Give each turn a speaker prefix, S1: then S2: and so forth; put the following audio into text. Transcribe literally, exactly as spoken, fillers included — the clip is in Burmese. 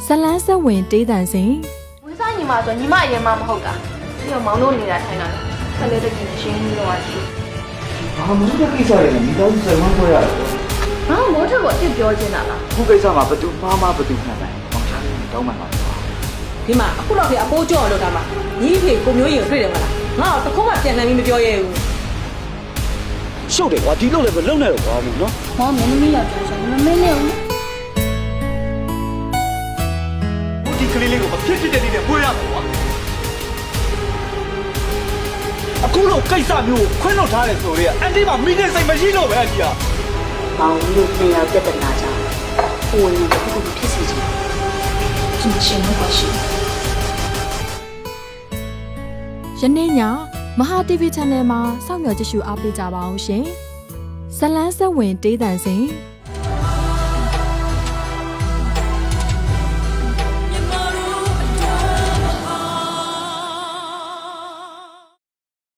S1: လန်းဆက်ဝင်တေးတန်စင်
S2: ဝင်းစားညီမဆိုညီမအရင်မှမဟုတ်တာပြီးတော့မောင်တို့နေတာထိုင်တာခက်လေးတကယ်ရှင်းပြီးတော့ရှိ
S3: ဘာမှမလုပ်ကိစ္စရည်မိသားစုဆိုင်မှခွဲရတယ်
S2: ဘာမိုးထက်ကိုအစ်ပြောချင်တာလား
S3: ခုကိစ္စမှာဘသူမှားမှားဘသူမှန်တယ်မောင်ချာတောင်းမှန်ပါပါ
S4: ဒီမှာအခုတော့ဒီအပိုးကြော့လို့တာမှာညီဖေကိုမျိုးရင်တွေ့တယ်မလားငါတော့တခုမှပြန်နိုင်ပြီးမပြောရဲဘူး
S3: ရှုပ်တယ်ကွာဒီလိုလည်းမလုံနဲ့တော့ကွာဘူးနော်
S2: မောင်မင်းသမီးယောက်ျားဆိုမမင်းနဲ့ဦး
S3: ဒီကလေးလေးကိုမဖြစ်ဖြစ်တဲ့နေ့နဲ့ပွေးရမှာကွာအခုလိုကိစ္စမျိုးကိုခွင့်လွှတ်ထားတယ်ဆိုတော့အန်တီမှာမိနေစိတ်မရှိတော့ပဲအကြီးက
S5: မောင်လို့ပြန်ရောက်ပြဿနာကြောင့်ဟိုရင်တစ်ခုခုဖြစ်စီချင်သူရှင်တော့ပါရှိ
S1: ယနေ့ညမဟာ တီဗီ Channel မှာစောင့်မျှော်ကြည့်ရှုအားပေးကြပါအောင်ရှင်ဇလန်းဆက်ဝင်တေးတန်စင်